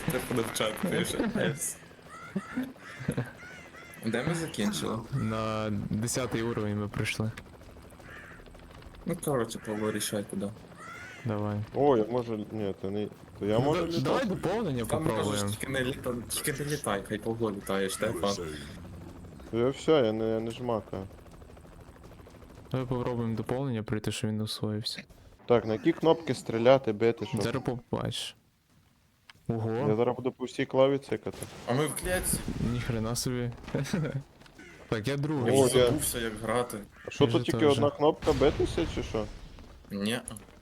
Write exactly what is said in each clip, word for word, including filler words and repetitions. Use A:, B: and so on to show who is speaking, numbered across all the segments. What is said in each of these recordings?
A: Стефан в чат пише. Ес. Де ми закінчили?
B: На десятий уровень ми прийшли.
A: Ну, коротше, Павло, рішай куди.
B: Давай.
C: О, я можу. Ні, то не. То я
B: Ну,
C: можу
B: да-
C: літати.
B: давай доповнення
A: Там можеш
B: попробуємо.
A: тільки не літай, тільки не літай, хай Павло літає, Штефан.
C: То я все, я не, я не жмакаю.
B: Давай попробуємо доповнення пройти, що він усвоївся.
C: Так, на які кнопки стріляти, бити, що?
B: Зараз побачиш.
C: Я
B: Ого,
C: зараз буду по всій клаві цикати.
A: А ми в клетці.
B: ніхрена собі. Так, я
A: Я
B: другий.
C: О,
A: вже
C: я-
A: забувся, як грати.
C: А що
B: Я
C: тут
B: же
C: тільки
B: теж.
C: одна кнопка битися чи що?
A: Ні.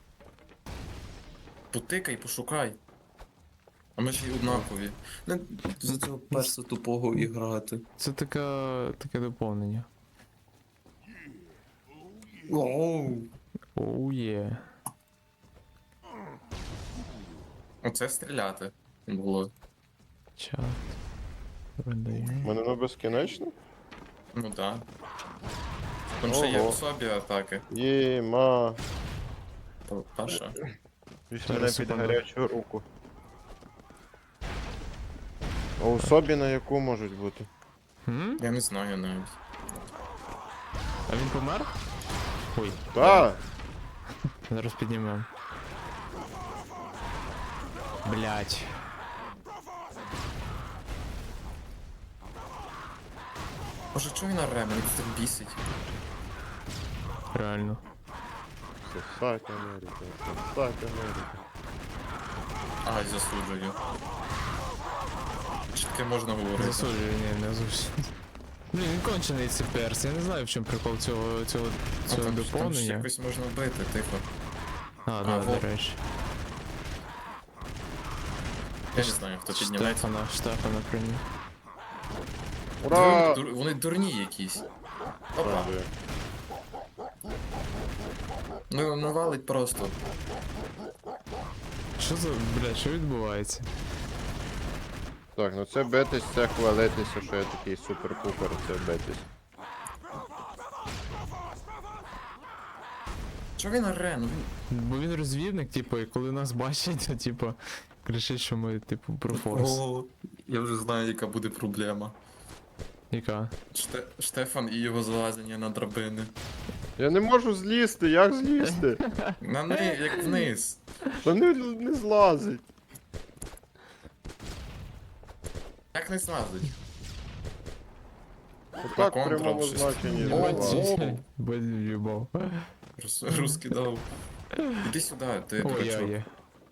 A: Потикай, пошукай. А ми ж і однакові. Не за цього перса тупого і грати.
B: Це така, таке доповнення.
A: Оу.
B: Оу є.
A: Оце стріляти було.
B: Чат.
C: У
B: Видаю.
C: мене воно безкінечно?
A: Ну так. Там ще є
C: Ого.
A: в собі атаки.
C: Єма.
A: Та- Паша.
C: Візь
B: Зараз,
C: мене під
B: секунду.
C: гарячу руку. А у собі на яку можуть бути?
B: М?
A: Я не знаю навіть.
B: А він помер? Ой,
C: Та!
B: зараз піднімемо. Блять.
A: Боже, чого він орем? Він так бісить.
B: Реально.
C: Сосать Америка, сосать Америка.
A: Ай, засуджую. Чи таке можна говорити?
B: Засуджую, ні, не зовсім. Блін, він кончений цей перс. Я не знаю, в чому прикол цього, цього,
A: А
B: цього
A: там, там ще
B: доповнення.
A: якось можна вбити, тихо.
B: А, да,
A: во.
B: до речі.
A: Я не знаю, хто підніметься.
B: Штефана, Штефана прийняв.
C: Ура!
A: Дур- Вони дурні якісь. Опа.
C: Правда.
A: Ну, навалить просто.
B: Що за, блядь, що відбувається?
C: Так, ну це битись, це хвалитися, що я такий супер-пупер, це битись.
A: Чого він оре? Ну він...
B: Бо він розвідник, типу, і коли нас бачить, то типу, кричить, що ми, типу, про форс.
A: О, я вже знаю, яка буде проблема.
B: Яка?
A: Ште... Штефан і його залазення на драбини.
C: Я не можу злізти, як злізти?
A: На ни... як вниз.
C: Та не, не злазить.
A: Як не злазить?
C: Отак в
A: Control
C: прямому
A: щось.
C: значенні
A: О,
C: злазить.
A: о.
B: Без любов.
A: Рус... Русский дав. Іди сюди, ти
B: О, я
A: дурачок.
B: є.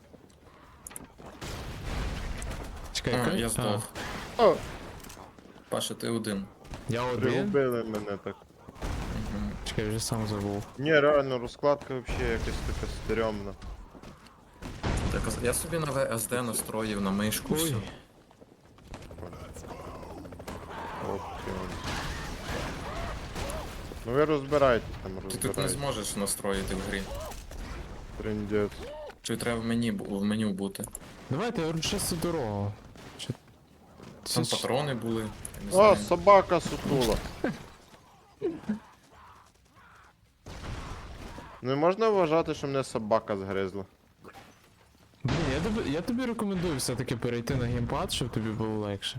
B: Чекай,
A: А,
B: яка?
A: я здох.
C: О,
A: Паша, ти один.
B: Я один?
C: пригубили мене так.
A: Мгм.
B: Чекай, вже сам забув.
C: Ні, реально, розкладка взагалі якась така стрьомна.
A: Так, а я собі на ве ес де настроїв на мишку.
B: Ой.
A: Все.
C: Опціон. Ну ви розбирайтесь там,
A: Ти тут не
C: розбирайтесь.
A: зможеш настроїти в грі.
C: Трындець.
A: Чи треба в мені бу- в меню бути?
B: Давайте, я говорю, чисту дорогу. Чи...
A: Там
B: Це-
A: патрони були. Я не
C: О,
A: знаю.
C: собака сутула. Не можна вважати, що мене собака згризла.
B: Блін, я тобі, я тобі рекомендую все-таки перейти на геймпад, щоб тобі було легше.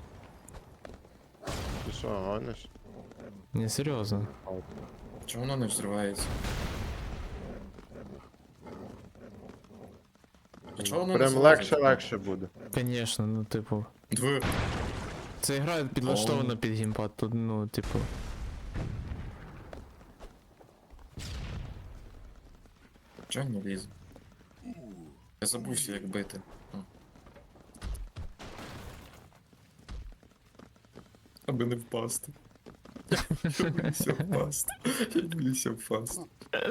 C: Ти що, гониш?
B: Ні, серйозно.
A: Чому воно не взривається? А чого воно не
C: Прям
A: залазить?
C: легше, легше буде.
B: Конечно, ну типу.
A: Дві.
B: Ця гра підлаштована під геймпад, тут, ну, типу.
A: Чого не лізе? Я забувся, як бити. О. Аби не впасти. Я боюся впасти. Я боюся впасти.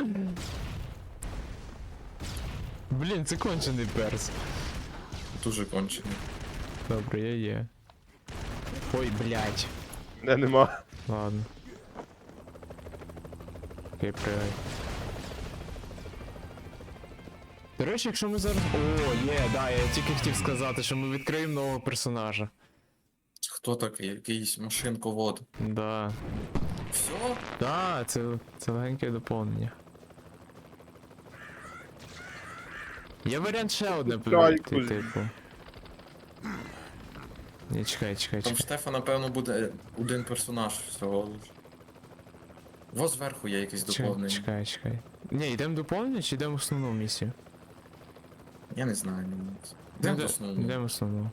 B: Блін, це кончений перс.
A: Дуже кончений.
B: Добре, я є. Ой, блядь.
C: Не, нема.
B: Ладно. Окей, привай. До речі, якщо ми зараз... О, є, да, я тільки хотів сказати, що ми відкриємо нового персонажа.
A: Хто такий? Якийсь машинковод.
B: Да.
A: Все?
B: Да, це, це легеньке доповнення. Є варіант ще одне
C: Чайку
B: прийти,
C: з-
B: типу. Ні, чекай, чекай,
A: Там в
B: чекай.
A: Штефа, напевно, буде один персонаж всього лиш. Во зверху є якесь
B: Чекай,
A: доповнення.
B: чекай, чекай. Ні, йдемо доповнення чи йдемо в основну місію?
A: Я не знаю. ну,
B: Ну,
A: Йдемо
B: йде-
A: до основного.
B: Йдемо в основну.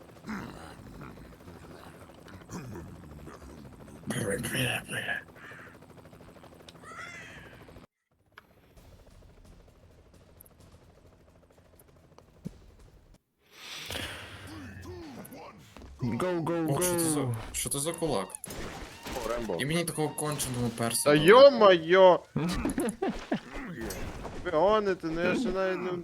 B: Go, go,
A: О, що це за,
B: go!
A: що це за кулак?
C: О, Рембо.
A: І мені такого конченого перса.
C: Та
A: дали.
C: йо-моє! Ви гоните, ну я ще навіть не...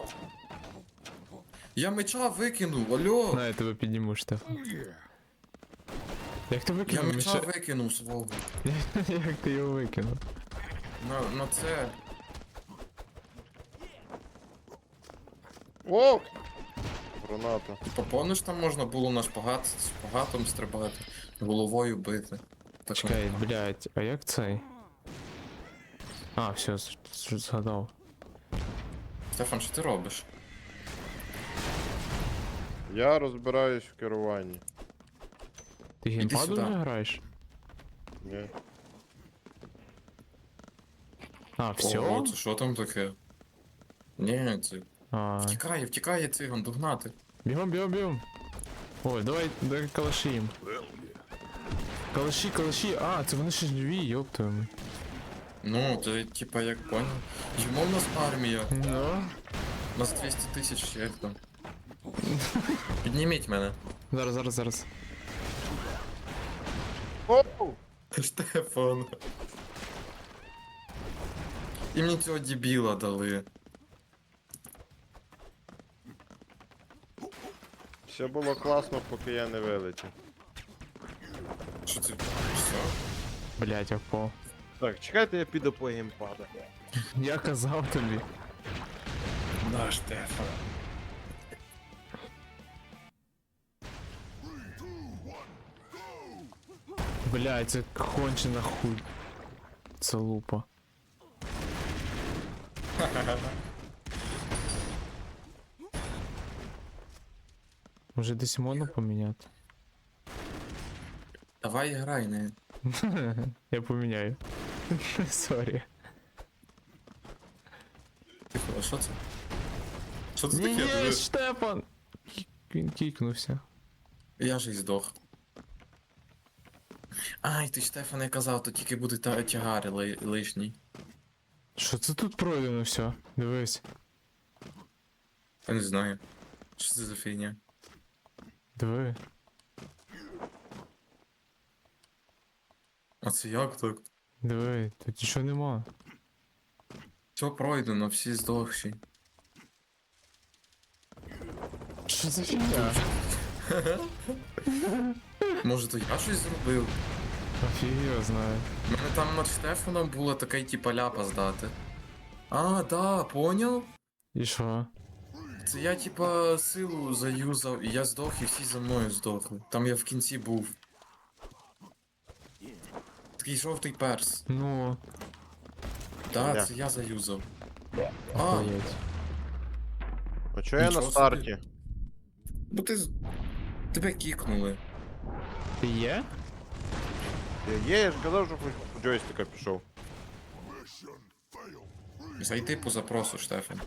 A: Я меча викинув, алло!
B: На, я тебе підніму, Штефан. Як ти
A: Я
B: викинув
A: меча
B: меча?
A: викинув свого.
B: Як ти його викинув?
A: На, на це.
C: О! Граната.
A: Типа, помниш, там можна було на шпагат з шпагатом стрибати, головою бити. Так,
B: Чекай, блядь, а як цей? А, все, з- з- згадав.
A: Стефан, що ти робиш?
C: Я розбираюсь в керуванні.
B: Ти
A: Іди
B: геймпадом
A: сюди.
B: не граєш?
C: Ні.
B: А, все?
A: Ого, це що там таке? Ні, це.
B: А,
A: Втікає, втікає циган, догнати.
B: бігом, бігом, бігом. Ой, давай, давай калаші їм. Калаші, калаші, а, це вони ще живі, йоптуємо.
A: Ну, це типа як поняв. Йому в нас армія.
B: Ну,
A: У нас двісті тисяч як там. Підніміть мене.
B: зараз, зараз, зараз.
C: Оу!
A: Штефан. І мені цього дебіла дали.
C: Все було класно, поки я не вилетів.
A: Що це? Все?
B: Блять, я впав.
C: Так, чекайте, я піду по геймпада.
B: Я казав тобі.
A: Да, Штефан.
B: Блять, це кончена хуй. Це лупа. Може десь можна поміняти?
A: Давай грай, не.
B: Я поміняю. Сорі.
A: Тихо, а що це? Що це
B: Ні,
A: таке?
B: ні,
A: Диви.
B: Штефан! Кі- Він кікнувся.
A: Я ж і здох. Ай, ти Штефан, я казав, то тільки буде та тягари ли, лишній.
B: Що це тут пройдено все? Дивись.
A: Я не знаю. Що це за фігня?
B: Диви.
A: А це як так?
B: Диви, тут нічого нема.
A: Все пройдено, всі здохші.
B: Що за фігня?
A: Може, то я щось зробив?
B: Офіг його знає.
A: У мене там над Штефаном була така типа ляпа здати. А, да, поняв?
B: І що?
A: Це я типа силу заюзав, і я здох, і всі за мною здохли. Там я в кінці був. Такий жовтий перс.
B: Ну,
A: Да,
C: Я.
A: це я заюзав. А,
B: охуєть.
C: А чого я на
A: Нічого
C: старті?
A: бо ти. з- Тебе кікнули.
B: Ти є?
C: Я є, я ж казав, що хоч по джойстика пішов.
A: Зайди по запросу, Штефан.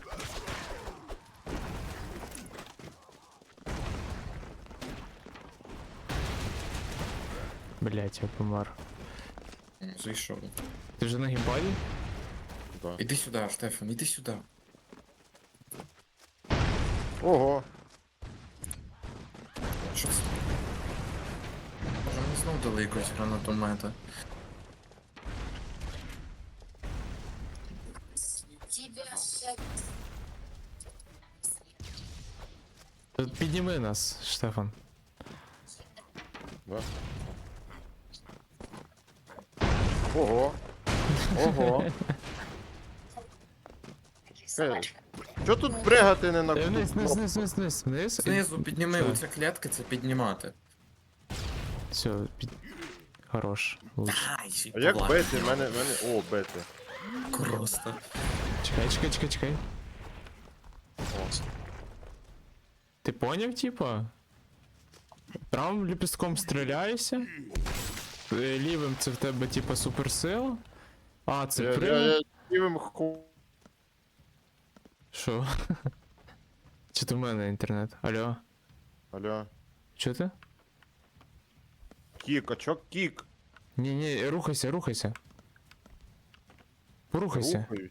B: Блять, я помер.
A: М, Зайшов.
B: Ти вже на геймпаді?
C: Да.
A: Іди сюди, Штефан, іди сюди.
C: Ого.
A: Що це? Може, мені знов дали якогось гранатомета.
B: Тут підніми нас, Штефан.
C: Да. Ого. Ого. Чо тут пригати не на
B: Е,
C: куди?
B: Вниз, вниз, вниз, вниз, вниз, вниз.
A: Знизу підніми,
B: Що?
A: оця клітка це піднімати.
B: Все, під... Хорош. Лучше.
A: Ай, ще й
C: А як
A: повладно.
C: бити? Мене, мене. О, бити.
A: Просто.
B: Чекай, чекай, чекай, чекай.
C: О.
B: Ти поняв, типа? Правим ліпістком стріляєшся. Е, Лівим це в тебе типа суперсила. А, це
C: Я, я,
B: прям.
C: я лівим ху...
B: Що? Чи то в мене інтернет? Алло?
C: Алло.
B: Чо ти?
C: Кік, а чо кік?
B: Ні, ні, рухайся, рухайся. Порухайся.
C: Рухаюсь.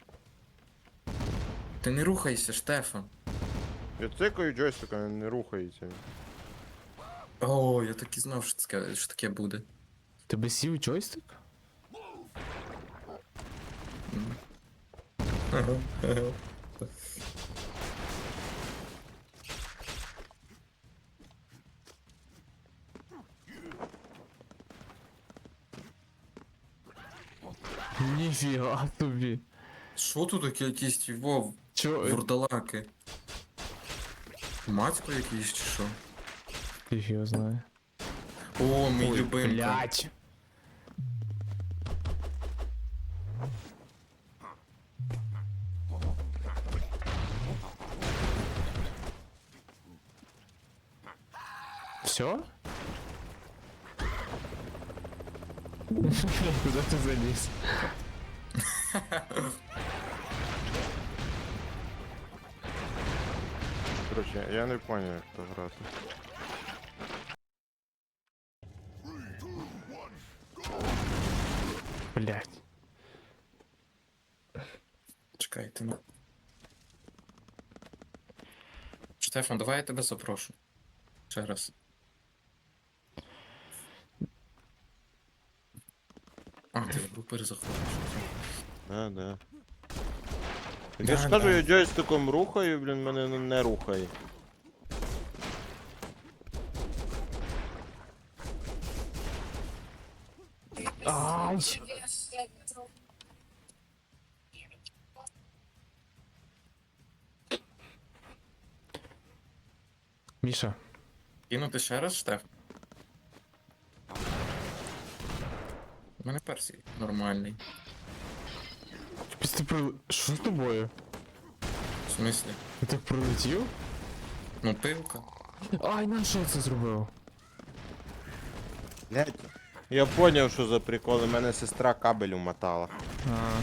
A: Ти не рухайся, Штефан.
C: Я цикаю джойстика, він не рухається.
A: О, я так і знав, що таке, що таке буде.
B: Тебе сів джойстик? Ніфіга тобі.
A: Що тут таке якісь вов,
B: Чо? е,
A: вурдалаки? Матько якийсь чи що?
B: Фіг його знає.
A: О, мій любимка.
B: Блять. Все? Куда ты залез?
C: Короче, я не понял, як то грати.
B: Блять.
A: Чекайте, ну. Штефан, давай я тебе запрошу. Ще раз. А, ти в групи заходиш.
C: Да, да.
A: Да,
C: Я ж кажу,
A: да.
C: я джойстиком рухаю, блін, мене не- не рухає.
B: Ай! Міша,
A: Кинути ще раз, Штеф? У мене персій нормальний.
B: ти про... Що з тобою?
A: В смислі?
B: Ти так пролетів?
A: Ну, пилка.
B: Ай, на що це зробив?
C: Блять. Я поняв, що за прикол, у мене сестра кабель умотала
B: А,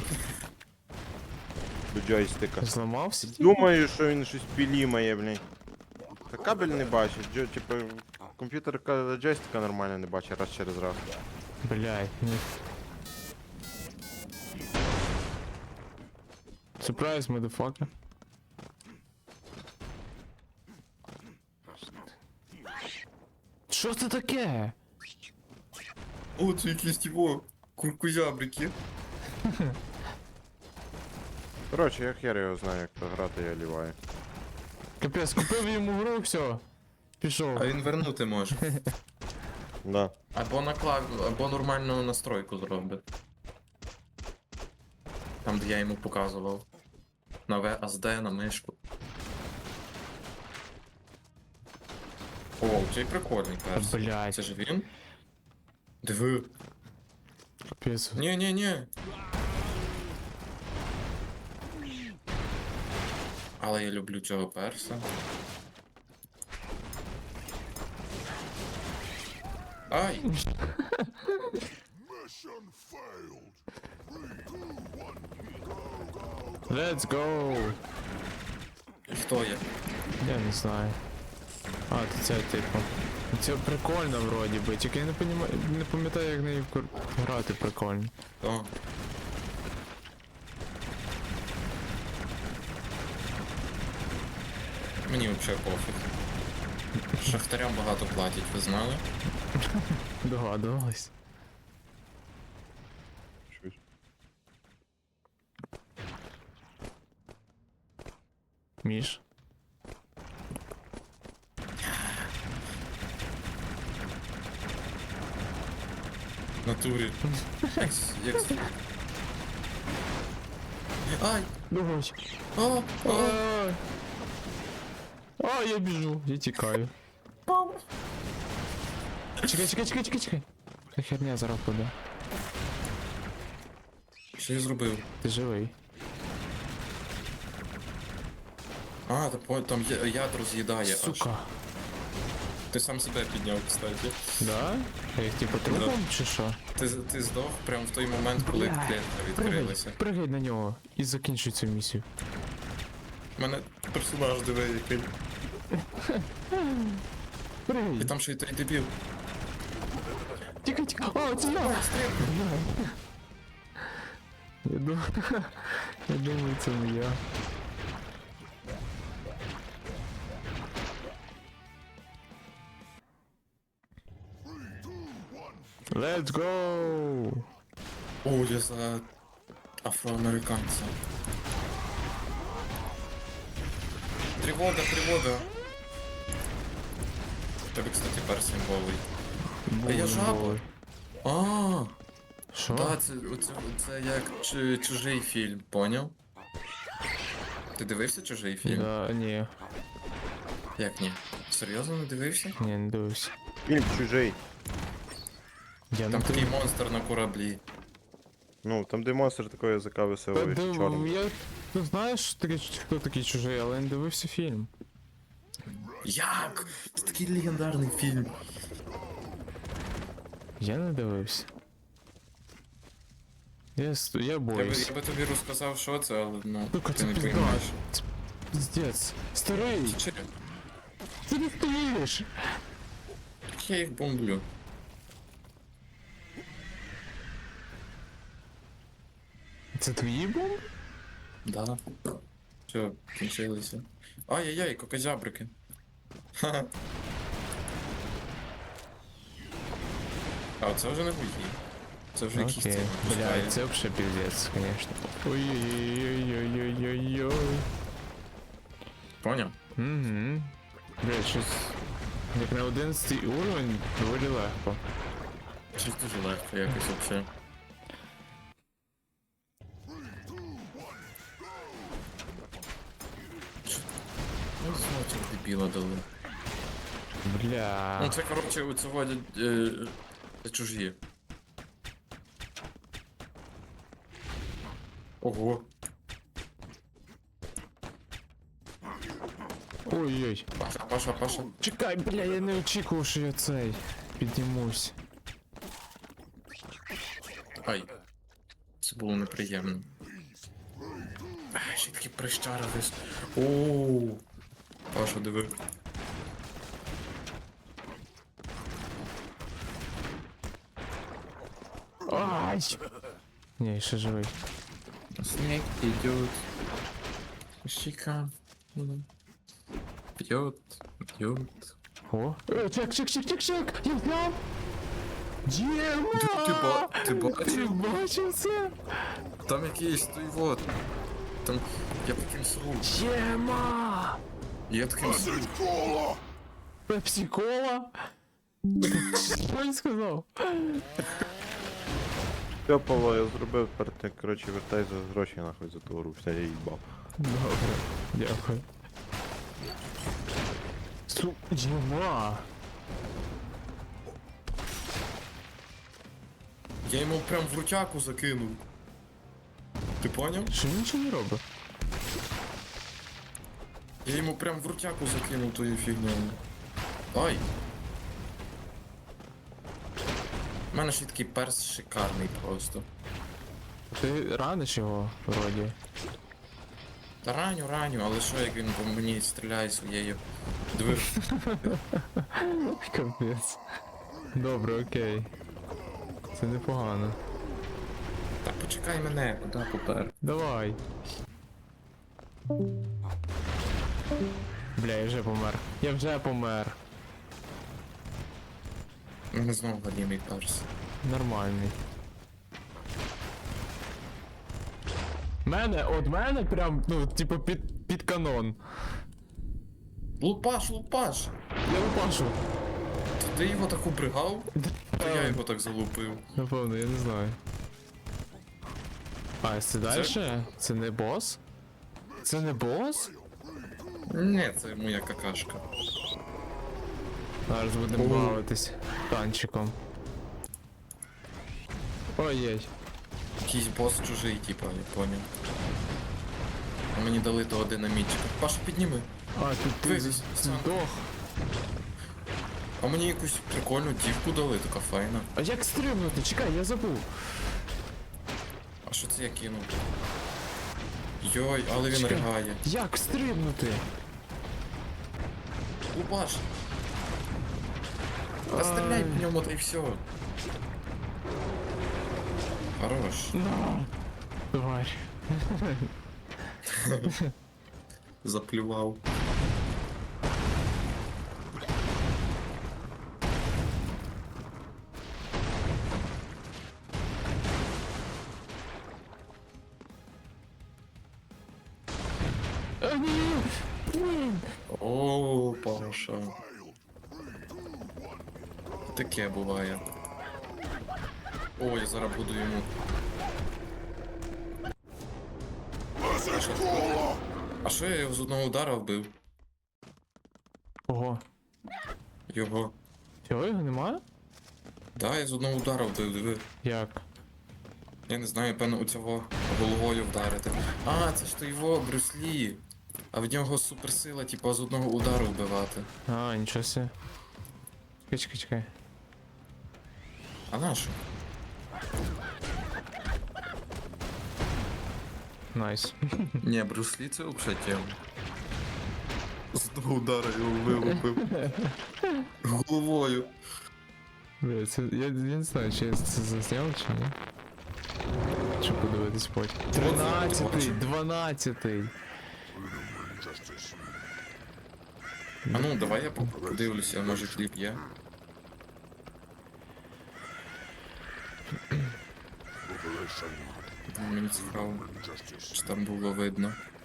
C: до джойстика.
B: зламався?
C: Думаю, що він щось пілімає, блін. Та кабель не бачить, джо, типу, комп'ютер ка- джойстика нормально не бачить раз через раз.
B: Блять, ні. Surprise, motherfucker. Що це таке?
A: О, це якісь його куркузябрики.
C: Коротше, я хер його знаю, як то грати, я ліваю.
B: Капець, купив йому гру, все. Пішов.
A: А він вернути може.
C: Да.
A: Або наклад, або нормальну настройку зробить. Там, де я йому показував. На ви ес ді, на мишку. О, цей прикольний перс.
B: Блять,
A: Це ж він? Диви.
B: капець.
A: Ні-ні-ні. Але я люблю цього перса. Ай!
B: Let's go!
A: Хто я?
B: Я не знаю. А, то це типу. Це прикольно вроді би, тільки я не понімаю, не пам'ятаю, як нею кор- грати прикольно.
A: Хто? Мені взагалі пофіг. Шахтарям багато платять, ви знали?
B: Догадувались.
C: Щось.
B: Міш.
A: В натурі. Як... с- як... с- Ай!
B: Давай.
A: О! О!
B: А, а, я біжу, я тікаю. Чекай, чекай, чекай, чекай, чекай. Та херня зараз буде.
A: Що я зробив?
B: Ти живий.
A: А, та по- там я- ядро з'їдає аж.
B: Сука.
A: Ти сам себе підняв, кстати.
B: Да? Я їх типу трупом чи що?
A: Ти, ти здох прямо в той момент, коли
B: Бля,
A: клітка
B: Пригай,
A: відкрилася.
B: пригай на нього і закінчуй цю місію.
A: У мене персонаж диви який.
B: Пригай!
A: І там ще й той дебіл.
B: Тікай, тікай! О, це я! Бля. Я думаю, я думаю, це не я. Let's go!
A: О, я за афроамериканця. Тривога, тривога. В тебе, кстати, персень голий. А я жаба. А,
B: Що?
A: да, це, це, це як чу- чужий фільм, поняв? Ти дивився чужий фільм?
B: Да, ні,
A: Як ні? Серйозно не дивився?
B: ні, не дивився.
C: Фільм чужий.
B: Я не
A: Там такий
B: дивився.
A: монстр на кораблі.
C: Ну, там де монстр такого язика
B: Та
C: веселий,
B: див-
C: чорний.
B: Я ну, знаєш, такий, хто такий чужий, але не дивився фільм.
A: Як? Це такий легендарний фільм.
B: Я не дивився. Я, ст- я
A: Я би,
B: боюсь.
A: я би тобі розказав, що це, але ну,
B: Сука,
A: ти
B: це
A: не
B: пізда.
A: поймеш.
B: Це піздець. Старий,
A: Чи?
B: ти не стоїш.
A: Я їх бомблю.
B: Це твої бомби?
A: Да. Все, кінчилися. Ай-яй-яй, кокозябрики. Ха-ха. А це вже не мої. Це вже якісь
B: Окей.
A: ці
B: Бля,
A: пускає.
B: це вообще пиздец, конечно. Ой-ой-ой-ой-ой-ой-ой.
A: Поняв?
B: Угу. Бля, щось... Як на одинадцятий уровень, доволі легко.
A: Щось дуже легко якось вообще. Ну, знову цього дебіла дали. Ну
B: Бля.
A: це, коротше, у цього е, це чужі. Ого.
B: Ой-ой.
A: Паша, Паша, Паша.
B: Чекай, бля, я не очікував, що я цей піднімусь.
A: Ай. Це було неприємно. Ай, ще такі прищари вис. Оу. Паша, диви.
B: Ай! Ні, ще живий.
A: Снег идет. Щека. Пьет, пьет.
B: О! Е, чек, чек, чек, чек, чек! Я знав! Діма!
A: Ти, ти, ба, ти
B: Ти
A: бачив?
B: бачив це?
A: Там якийсь той вот. Там я таким сру.
B: Діма!
A: Я таким сру.
B: Пепсі-кола? Що він сказав?
C: Все, Павло, я зробив, тепер ти, коротше, вертай за гроші нахуй за ту гру, все, я їбав.
B: Добре, дякую. Су... Діма!
A: Я йому прям в рутяку закинув. Ти поняв?
B: Що він нічого не робить?
A: Я йому прям в рутяку закинув тою фігнею. Ай! У мене ще такий перс шикарний просто.
B: Ти раниш його, вроді.
A: Та раню, раню, але що як він по мені стріляє своєю. Диви.
B: Капець. Добре, окей. Це непогано.
A: Та почекай мене, куди попер.
B: Давай. Бля, я вже помер. Я вже помер.
A: У мене знову галімий перс.
B: Нормальний. Мене, от мене прям, ну, типу, під, під канон.
A: Лупаш, лупаш!
B: Я лупашу.
A: То ти його так убригав? То я
B: Ем.
A: його так залупив.
B: Напевно, я не знаю. А, це далі? Це не бос? Це не бос?
A: Не, це моя какашка.
B: Зараз будемо
A: О.
B: бавитись танчиком. Ой-ой.
A: Якийсь бос чужий, типа, я поняв. А мені дали того динамітчика. Паша, підніми.
B: А, тут ти
A: Дивись,
B: здох.
A: А мені якусь прикольну дівку дали, така файна.
B: А як стрибнути? Чекай, я забув.
A: А що це я кинув? Йой, але він
B: Чекай.
A: ригає.
B: Як стрибнути?
A: Лупаш! Та стріляй по ньому, та й все. Хорош.
B: На. Тварь.
A: Заплював.
B: А, ні! Блін!
A: О, Паша. Таке буває. Ой, я зараз буду йому. А що, а що я його з одного удара вбив?
B: Ого.
A: Його.
B: Всього його немає?
A: Да, я з одного удара вбив, диви.
B: Як?
A: Я не знаю, певно, у цього головою вдарити. А, це ж то його Брюслі. А в нього суперсила, типу, з одного удару вбивати.
B: А, нічого себе. Чекай, чекай, чекай.
A: А на що?
B: Найс.
A: Ні, Брюслі це взагалі тема. З одного удара його вилупив. Головою.
B: Бля, це, я, я не знаю, чи я це засняв, чи ні. Щоб подивитись потім. Тринадцятий, дванадцятий.
A: А ну, давай я подивлюся, може кліп є. Мені цікаво, чи там було видно.